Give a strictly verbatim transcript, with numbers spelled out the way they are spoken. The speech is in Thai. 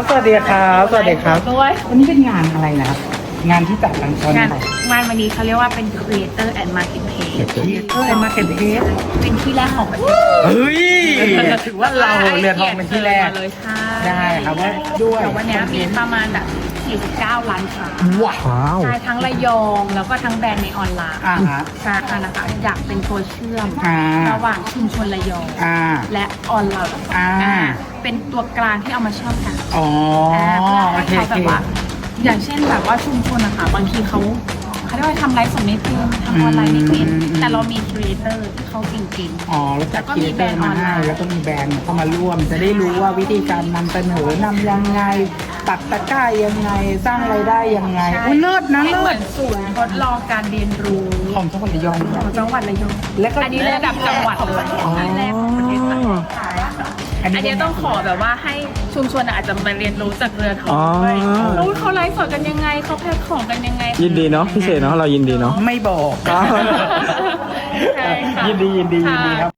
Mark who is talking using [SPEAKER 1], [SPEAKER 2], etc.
[SPEAKER 1] สวัสดีครับสวัสดีครับด้วยวันนี้เป็นงานอะไรนะครับงานที่จัดทางตอน
[SPEAKER 2] งาน
[SPEAKER 1] ไหน
[SPEAKER 2] งานวันนี้เขาเรียกว่าเป็น Creator and Marketplace
[SPEAKER 1] เออมาเก็ตเทส
[SPEAKER 2] เป็นที่แรกของประเทศ
[SPEAKER 1] เฮ้ยถือว่าเราเรือทองเป็นที่แรก
[SPEAKER 2] เลยใช่
[SPEAKER 1] ได้ครับว่าด้วย
[SPEAKER 2] แต่วันนี้มีประมาณแบบสี่สิบเก้าล้านค้า
[SPEAKER 1] ว้าว
[SPEAKER 2] ใช่ทั้งระยองแล้วก็ทั้งแบรนด์ในออนไลน์
[SPEAKER 1] อ่าฮะ
[SPEAKER 2] ใช่ค่ะนะคะอยากเป็นตัวเชื่อม
[SPEAKER 1] อ่า
[SPEAKER 2] ระหว่างชุมชนระยอง
[SPEAKER 1] อ่า
[SPEAKER 2] และออนไลน์
[SPEAKER 1] อ่า
[SPEAKER 2] อ่าเป็นตัวกลางที่เอามาเชื่อมกัน
[SPEAKER 1] อ๋อ
[SPEAKER 2] อ่าเพื่อ
[SPEAKER 1] โอ
[SPEAKER 2] ให้
[SPEAKER 1] เค
[SPEAKER 2] เขา
[SPEAKER 1] โอ
[SPEAKER 2] แบ
[SPEAKER 1] เค
[SPEAKER 2] บว่าอย่างเช่นแบบว่าชุมชนนะคะบางทีเขาเขาเรียกว่าทำไลฟ์สดไม่เป็นทำออนไลน์ไม่เป็น
[SPEAKER 1] อืมอืม
[SPEAKER 2] แต่เรามีครีเอเตอร์ที่เขาเก่ง
[SPEAKER 1] อ๋อแล้วจัดครีเอเตอร์มาให้แล้วก็มีแบรนด์เข้ามาร่วม จะได้รู้ว่าวิธีการนำเสนอนำยังไงตัดตะกร้ายังไงสร้างรายได้ยังไง
[SPEAKER 2] ๆ
[SPEAKER 1] อุ้ยเลิศนะ
[SPEAKER 2] ให้
[SPEAKER 1] เลิ
[SPEAKER 2] เหมื
[SPEAKER 1] ศ
[SPEAKER 2] อนศูนย์ทดลองการเรียนรู้
[SPEAKER 1] ของจังหวัดระยอง
[SPEAKER 2] ของจังหวัดระยอง
[SPEAKER 1] แล้วก็
[SPEAKER 2] อันนี้ระดับจังหวัดเลย
[SPEAKER 1] อ๋อ
[SPEAKER 2] อันแรกของประเทศไทยใช่ค่ะ
[SPEAKER 1] อันนี้
[SPEAKER 2] อันนี้ต้องขอแบบว่าให้ชุมชนอาจจะมาเรียนรู้จากเรือทอ
[SPEAKER 3] อ๋
[SPEAKER 2] ง
[SPEAKER 3] อ
[SPEAKER 2] ด้วยรู้เขาไลฟ์สดกันยังไงเขาแพ็คของกันยังไง
[SPEAKER 3] ยินดีเนาะพี่เศษเนาะเรายินดีเนาะ
[SPEAKER 1] ไม่บอก
[SPEAKER 2] ใช่ค่ะ
[SPEAKER 1] ยินดียินดียินดีครับ